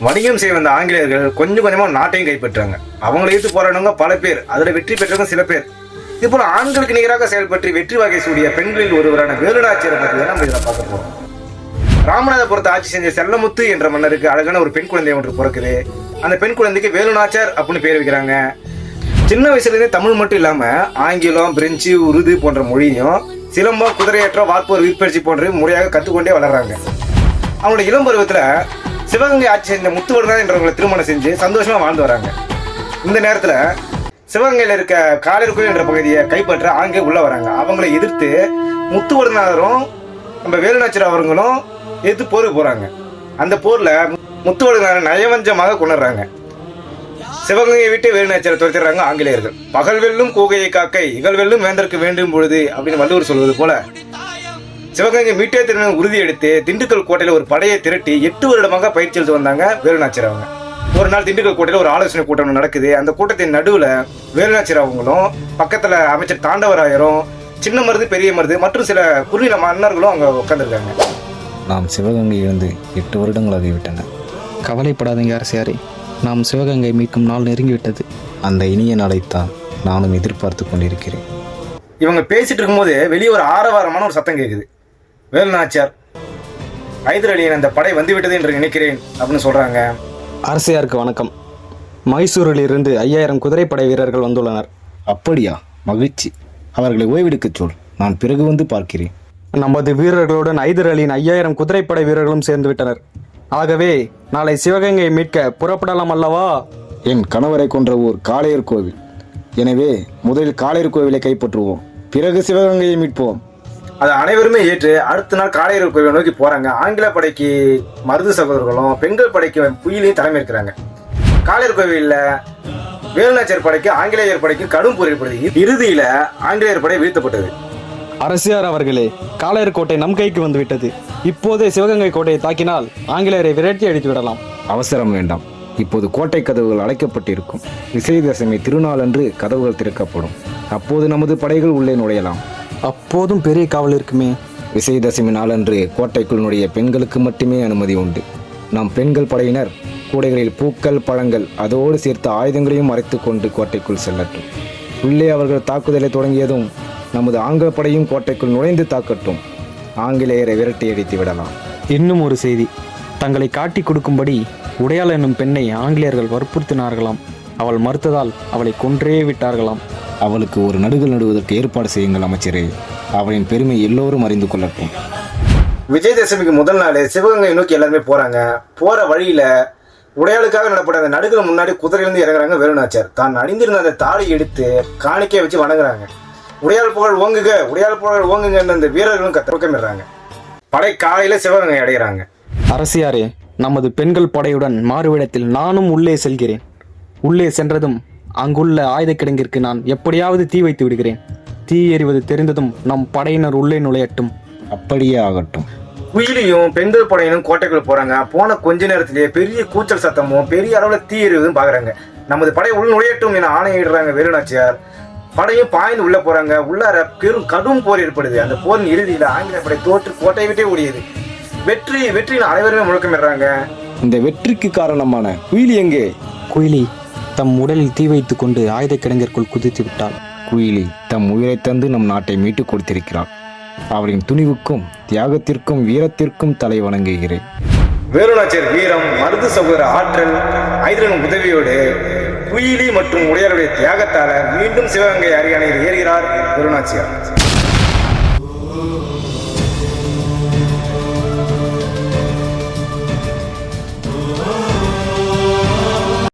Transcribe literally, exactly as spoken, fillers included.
வணிகம் செய்ய வந்த ஆங்கிலேயர்கள் கொஞ்சம் கொஞ்சமா நாட்டையும் கைப்பற்றாங்க. அவங்களை எதிர்த்து போராடினவங்க பல பேர், அதுல வெற்றி பெற்றவங்க சில பேர். இது போல ஆண்களுக்கு நிகராக செயல்பற்றி வெற்றி வகை சூடிய பெண்களில் ஒருவரான வேலுநாச்சியாரை பற்றி தான் நம்ம இதில் பார்க்க போறோம். ராமநாதபுரத்தை ஆட்சி செஞ்ச செல்லமுத்து என்ற மன்னருக்கு அழகான ஒரு பெண் குழந்தை ஒன்று பிறக்குது. அந்த பெண் குழந்தைக்கு வேலுநாச்சியார் அப்படின்னு பேர் வைக்கிறாங்க. சின்ன வயசுல இருந்தே தமிழ் மட்டும் இல்லாம ஆங்கிலம், பிரெஞ்சு, உருது போன்ற மொழியும், சிலம்பம், குதிரையேற்றம், வார்ப்போர், வீற்பயிற்சி போன்ற முறையாக கற்றுக்கொண்டே வளர்றாங்க. அவங்களோட இளம் பருவத்துல சிவகங்கை ஆட்சி செஞ்ச முத்துவடுநாதர் என்றவங்களை திருமணம் செஞ்சு சந்தோஷமா வாழ்ந்து வராங்க. இந்த நேரத்துல சிவகங்கையில இருக்க காளையர்கோவில் என்ற பகுதியை கைப்பற்ற ஆங்கிலேயர் உள்ள வராங்க. அவங்களை எதிர்த்து முத்துவடுநாதரும் நம்ம வேலுநாச்சியார் அவர்களும் எதிர்த்து போருக்கு போறாங்க. அந்த போர்ல முத்துவடுநாதர் நயவஞ்சமாக கொண்டுறாங்க. சிவகங்கையை விட்டு வேலுநாச்சியாரை துரத்திடுறாங்க ஆங்கிலேயர்கள். பகல் வெல்லும் கூகையை காக்கை, இகழ் வெல்லும் வேந்தற்கு வேண்டும் பொழுது அப்படின்னு வள்ளுவர் சொல்வது போல சிவகங்கை மீட்டே திரும்ப உறுதி எடுத்து திண்டுக்கல் கோட்டையில ஒரு படையை திரட்டி எட்டு வருடமாக பயிற்சி எடுத்து வந்தாங்க வேலுநாச்சியார் அவங்க. ஒரு நாள் திண்டுக்கல் கோட்டையில ஒரு ஆலோசனை கூட்டம் நடக்குது. அந்த கூட்டத்தின் நடுவுல வேலுநாச்சியார் அவங்களும், பக்கத்துல அமைச்சர் தாண்டவராயரும், சின்ன மருது, பெரிய மருது மற்றும் சில குறுநில மன்னர்களும் அங்க உட்காந்துருக்காங்க. நாம் சிவகங்கை இருந்து எட்டு வருடங்களாகிவிட்டன. கவலைப்படாதீங்க அரசியாரே, நாம் சிவகங்கை மீட்கும் நாள் நெருங்கிவிட்டது. அந்த இனிய நாளைத்தான் நானும் எதிர்பார்த்து கொண்டிருக்கிறேன். இவங்க பேசிட்டு இருக்கும்போது வெளியே ஒரு ஆரவாரமான ஒரு சத்தம் கேட்குது. வேலுநாச்சியார், ஐதர் அலியின் அந்த படை வந்துவிட்டது என்று நினைக்கிறேன் அப்படின்னு சொல்றாங்க. அரசியாருக்கு வணக்கம். மைசூரிலிருந்து ஐயாயிரம் குதிரைப்படை வீரர்கள் வந்துள்ளனர். அப்படியா? மகிழ்ச்சி. அவர்களை ஓய்வெடுக்கச் சொல், நான் பிறகு வந்து பார்க்கிறேன். நமது வீரர்களுடன் ஐதர் அலியின் ஐயாயிரம் குதிரைப்படை வீரர்களும் சேர்ந்து விட்டனர். ஆகவே நாளை சிவகங்கை மீட்க புறப்படலாம் அல்லவா? என் கணவரை கொன்ற ஊர் காளையர் கோவில். எனவே முதலில் காளையர் கோவிலை கைப்பற்றுவோம், பிறகு சிவகங்கையை மீட்போம். அதை அனைவருமே ஏற்று அடுத்த நாள் காளையர் கோவிலை நோக்கி போறாங்க. ஆங்கில படைக்கு மருது சகோதரர்களும், பெண்கள் படைக்கு புயிலையும் தலைமை இருக்கிறாங்க. காளையர் கோவிலில் வேலுநாச்சியார் படைக்கு ஆங்கிலேயர் படைக்கு கடும் போர் ஏற்படுது. இறுதியில ஆங்கிலேயர் படை வீழ்த்தப்பட்டது. அரசியார் அவர்களே, காளையர் கோட்டை நம் கைக்கு வந்துவிட்டது. இப்போதே சிவகங்கை கோட்டையை தாக்கினால் ஆங்கிலேயரை விரட்டி அடித்து விடலாம். அவசரம் வேண்டாம். இப்போது கோட்டை கதவுகள் அடைக்கப்பட்டிருக்கும். விஜயதசமி திருநாளன்று கதவுகள் திறக்கப்படும். அப்போது நமது படைகள் உள்ளே நுழையலாம். அப்போதும் பெரிய காவல் இருக்குமே. விஜயதசமி நாளன்று கோட்டைக்குள் நுழைய பெண்களுக்கு மட்டுமே அனுமதி உண்டு. நம் பெண்கள் படையினர் கூடைகளில் பூக்கள், பழங்கள், அதோடு சேர்த்து ஆயுதங்களையும் மறைத்து கொண்டு கோட்டைக்குள் செல்லட்டும். உள்ளே அவர்கள் தாக்குதலை தொடங்கியதும் நமது ஆங்கில படையும் கோட்டைக்குள் நுழைந்து தாக்கட்டும். ஆங்கிலேயரை விரட்டி அடித்து விடலாம். இன்னும் ஒரு செய்தி, தங்களை காட்டி கொடுக்கும்படி உடையாள் என்னும் பெண்ணை ஆங்கிலேயர்கள் வற்புறுத்தினார்களாம். அவள் மறுத்ததால் அவளை கொன்றே விட்டார்களாம். அவளுக்கு ஒரு நடுகள் நடுவதற்கு ஏற்பாடு செய்யுங்கள் அமைச்சரே. அவளின் பெருமை எல்லோரும் அறிந்து கொள்ளட்டும். விஜயதசமிக்கு முதல் நாள் சிவகங்கை நோக்கி எல்லாருமே போறாங்க. போற வழியில உடையாளுக்காக நடப்பட அந்த நடுகள் முன்னாடி குதிரையிலிருந்து இறங்குறாங்க வேலுநாச்சியார். தான் அணிந்திருந்த அந்த தாலி எடுத்து காணிக்கையை வச்சு வணங்குறாங்க. உடையாள் புகழ் ஓங்குக, உடையாள் புகழ் ஓங்குங்கன்னு அந்த வீரர்களும் கத்தமிடுறாங்க. படை காலையில சிவகங்கை அடைகிறாங்க. அரசியாரே, நமது பெண்கள் படையுடன் மாறுவிடத்தில் நானும் உள்ளே செல்கிறேன். உள்ளே சென்றதும் அங்குள்ள ஆயுத கிடங்கிற்கு நான் எப்படியாவது தீ வைத்து விடுகிறேன். தீ எறிவது தெரிந்ததும் நம் படையினர் உள்ளே நுழையட்டும். அப்படியே ஆகட்டும். குயிலியும் பெண்கள் படையினும் கோட்டைக்குள்ள போறாங்க. போன கொஞ்ச நேரத்திலேயே பெரிய கூச்சல் சத்தமும் பெரிய அளவுல தீ எறிவதும் பாக்குறாங்க. நமது படை உள் நுழையட்டும் என ஆணையிடுறாங்க வேலுநாச்சியார். படையும் பாய்ந்து உள்ள போறாங்க. உள்ளார பெரும் கடும் போர் ஏற்படுது. அந்த போரின் இறுதியில ஆங்கில படை தோற்று கோட்டையை விட்டே ஓடியது. வெற்றி வெற்றின்னு அனைவருமே முழக்கமிடுறாங்க. இந்த வெற்றிக்கு காரணமான குயிலி எங்கே? குயிலி தம் உடலில் தீ வைத்து கொண்டு ஆயுத கிடங்கிற்குள் குதித்து விட்டாள். குயிலி தம் உயிரை தந்து நம் நாட்டை மீட்டு கொடுத்திருக்கிறார். அவரின் துணிவுக்கும் தியாகத்திற்கும் வீரத்திற்கும் தலை வணங்குகிறேன். வேலுநாச்சியார் வீரம், மருது சகோதர ஆற்றல், ஐதரன் உதவியோடு குயிலி மற்றும் உடையாளுடைய தியாகத்தால மீண்டும் சிவகங்கை அரியணையில் ஏறுகிறார் வேலுநாச்சியார்.